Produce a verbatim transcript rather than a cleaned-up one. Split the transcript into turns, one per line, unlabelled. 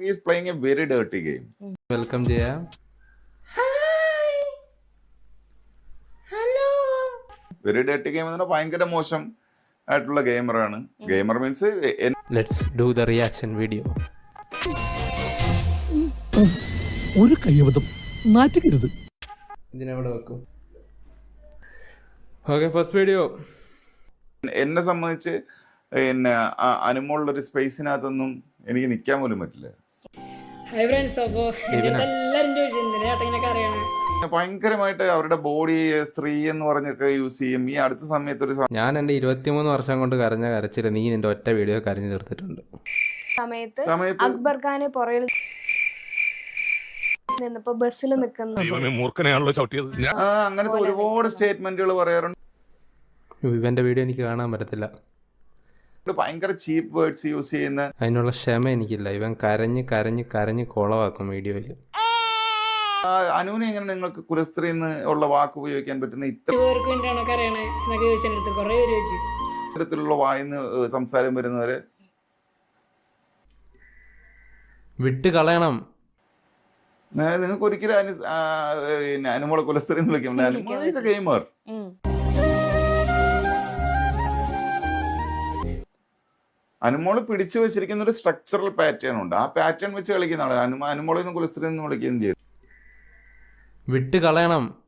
he is playing a very dirty game.
Welcome Jaya.
Hi. Hello.
Very dirty game എന്ന് പറഞ്ഞാൽ ഭയങ്കര മോശം ആയിട്ടുള്ള ഗെയിമറാണ്. Gamer means
Let's do the reaction video.
ഒരു കയ്യബദ്ധം നാറ്റിക്കരുത്.
ഇതിനെവിടെ വെക്കും? Okay, first video.
എന്നെ സംബന്ധിച്ച് പിന്നെ അനുമോളുടെ ഒരു സ്പേസിനകത്തൊന്നും എനിക്ക് നിൽക്കാൻ പോലും പറ്റില്ല.
ഹായ് ഫ്രണ്ട്സ്, അപ്പോൾ എല്ലാവരും ചോദിച്ചിട്ടുണ്ട് ചേട്ടനൊക്കെ അറിയണം.
ഭയങ്കരമായിട്ട് അവരുടെ ബോഡി സ്ത്രീ എന്ന് പറഞ്ഞൊക്കെ യൂസ് ചെയ്യും. ഈ അടുത്ത സമയത്ത് ഒരു
ഞാൻ എന്റെ ഇരുപത്തിമൂന്ന് വർഷം കൊണ്ട് കരഞ്ഞ കരച്ചില്ല നീ നിന്റെ ഒറ്റ വീഡിയോ കരഞ്ഞു തീർത്തിട്ടുണ്ട്.
സമയത്ത്
സമയത്ത്
അക്ബർ ഖാന് പുറകിൽ നിന്നപ്പോ ബസ്സിൽ നിൽക്കുന്നു.
അങ്ങനത്തെ ഒരുപാട് സ്റ്റേറ്റ്മെന്റുകൾ പറയാറുണ്ട്.
ഇവന്റെ വീഡിയോ എനിക്ക് കാണാൻ പറ്റത്തില്ല.
ഭയങ്കര ചീപ്പ് വേർഡ്സ് യൂസ് ചെയ്യുന്ന
അതിനുള്ള ക്ഷമ എനിക്കില്ല. ഇവൻ കരഞ്ഞ് കരഞ്ഞ് കരഞ്ഞ് കൊളവാക്കും വീഡിയോയിൽ.
അനുവിനെ എങ്ങനെ നിങ്ങൾക്ക് കുലസ്ത്രീ എന്ന് ഉള്ള വാക്ക് ഉപയോഗിക്കാൻ പറ്റുന്ന
പേർക്ക് വേണ്ടിയാണോ അറിയണേ എന്നൊക്കെ ചോദിച്ചെടുത്ത് കുറെ പേര് ചോദിച്ചു.
ഇത്തരത്തിലുള്ള വായിന്ന് സംസാരം വരുന്നവരെ
വിട്ട് കളയണം.
നിങ്ങൾക്ക് ഒരിക്കലും അനു പിന്നെ അനുമോളെ കുലസ്ത്രീ എന്ന് വിളിക്കാം. ഗെയിമർ അനുമോള് പിടിച്ചു വെച്ചിരിക്കുന്ന ഒരു സ്ട്രക്ചറൽ പാറ്റേൺ ഉണ്ട്. ആ പാറ്റേൺ വെച്ച് കളിക്കുന്ന ആള് അനു അനുമോളെ കുലസ്ത്രീ എന്ന് വിളിക്കുകയും ചെയ്യും.
വിട്ട് കളയണം.